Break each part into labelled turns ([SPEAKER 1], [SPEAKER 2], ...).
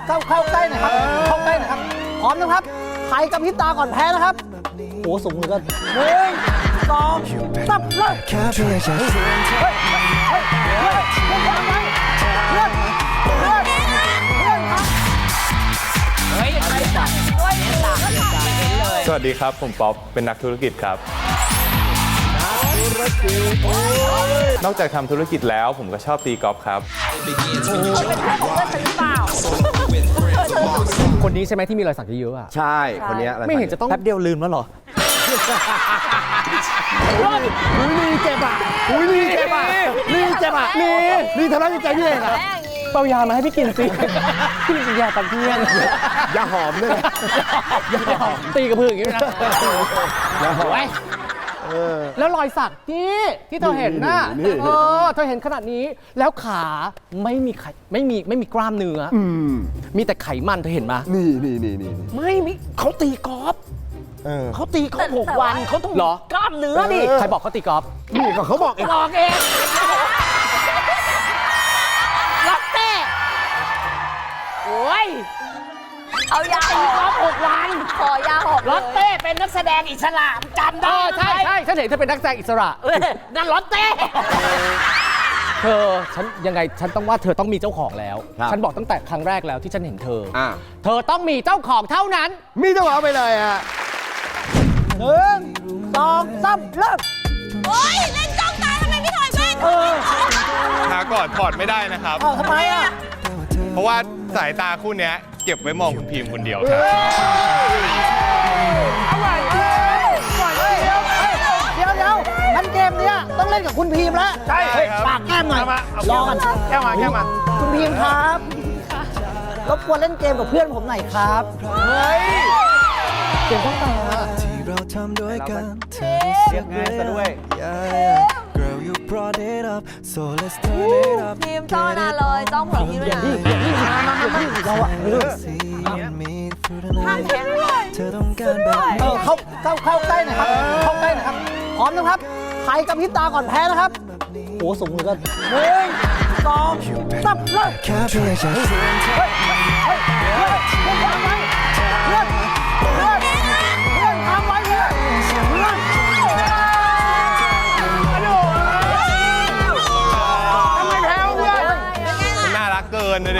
[SPEAKER 1] เข้าใกล้หน่อยครับเข้าใกล้หน่อยครับพร้อมนะครับใครกับพริบตาก่อนแพ้นะครับโอ้สูงเหลือเกิน1 2 3เริ่ม
[SPEAKER 2] สวัสดีครับผมป๊อปเป็นนักธุรกิจครับนอกจากทำธุรกิจแล้วผมก็ชอบตีกอล์ฟครับ
[SPEAKER 3] คนนี้ใช่ไหมที่มีรอยสักเยอะๆอ่ะ
[SPEAKER 4] ใช่คนนี้
[SPEAKER 3] ไม่เห็นจะต้องแป๊บเดียวลืมแล้วเหรอ
[SPEAKER 4] นี่เจ็บอ่ะนี่เจ็บอ่ะนี่เจ็บอ่ะนี่ทำร้ายจิตใจพี่เองอ่ะ
[SPEAKER 3] เปายามาให้พี่กินสิพี่กินยาตะเกียง
[SPEAKER 4] ยาหอมด้วยยาหอม
[SPEAKER 3] ตีกับพื้นอย่างนี้นะแล้วรอยสักที่เธอเห็นน่ะเธอเห็นขนาดนี้แล้วขาไม่มีกล้ามเนื้อมีแต่ไขมันเธอเห็นไหม
[SPEAKER 4] นี่
[SPEAKER 3] ไม่มีเขาตีกอล์ฟเขาตีกอล์ฟ6 วันเขาต้องกล้ามเนื้อดิใครบอกเขาตีกอล์ฟ
[SPEAKER 4] นี่ก็เขาบอกเอง
[SPEAKER 3] ลักเต้โอ้ย
[SPEAKER 5] เอายา
[SPEAKER 3] ตีกอล์ฟ6 วัน
[SPEAKER 5] ขอยาหอบ
[SPEAKER 3] ลักเต้เป็นนักแสดงอิสระจำได้ใช่ฉันเห็นเธอเป็นนักแสดงอิสระนั่นลักเต้เธอฉันยังไงฉันต้องว่าเธอต้องมีเจ้าของแล้วฉันบอกตั้งแต่ครั้งแรกแล้วที่ฉันเห็นเธอต้องมีเจ้าของเท่านั้น
[SPEAKER 4] มีเจ้าของไปเลยอ่ะ
[SPEAKER 1] 1 2 3เริ่ม
[SPEAKER 5] โอ๊ยเล่นจ้องตาทำไมไม่ถอยแว่น
[SPEAKER 2] หาก่อนถอดไม่ได้นะครับ
[SPEAKER 1] ทำไมอ่ะ
[SPEAKER 2] เพราะว่าสายตาคู่นี้เก็บไว้มองคุณพิมพ์คนเดียวครับ
[SPEAKER 1] เดี๋ยวงั้นเกมเนี้ยต้องเล่นกับคุณพีมแล้ว
[SPEAKER 2] ใช่ครับ
[SPEAKER 1] ปากแก้มหน่อยรอกัน
[SPEAKER 2] แก้มา
[SPEAKER 1] คุณพีมครับรบกวนเล่นเกมกับเพื่อนผมหน่อยครับเกมต้องตา
[SPEAKER 6] ที่เราทำด้วยกันเธอเรียกง่ายซะด้วย Girl you brought it up so let's turn it up
[SPEAKER 5] ทีมจ้องนานเลยจ้องผมพี่ด้วยนะ
[SPEAKER 1] เราอะ
[SPEAKER 5] ห้ามแข่งด้วย
[SPEAKER 6] เธอต้องการแบบ
[SPEAKER 1] เข้าใกล้หน่อยครับเข้าใกล้หน่อยครับพร้อมนะครับใครกับพริบตาก่อนแพ้นะครับโอ้สูงเหลือเกิน1 2 3เริ่ม
[SPEAKER 6] แค่เพียงจะชวนเธอ
[SPEAKER 2] เกินเลย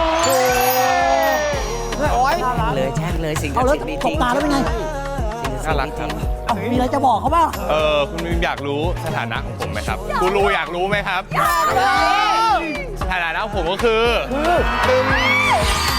[SPEAKER 3] เลยแช่งเลยสิ่ง
[SPEAKER 1] เอาแล้วตบตาแล้วเป็นไง
[SPEAKER 2] น่ารักครับ
[SPEAKER 1] มีอะไรจะบอกเขาบ้าง
[SPEAKER 2] คุณอยากรู้สถานะของผมไหมครับกูรูอยากรู้ไหมครับสถานะของผมก็คือ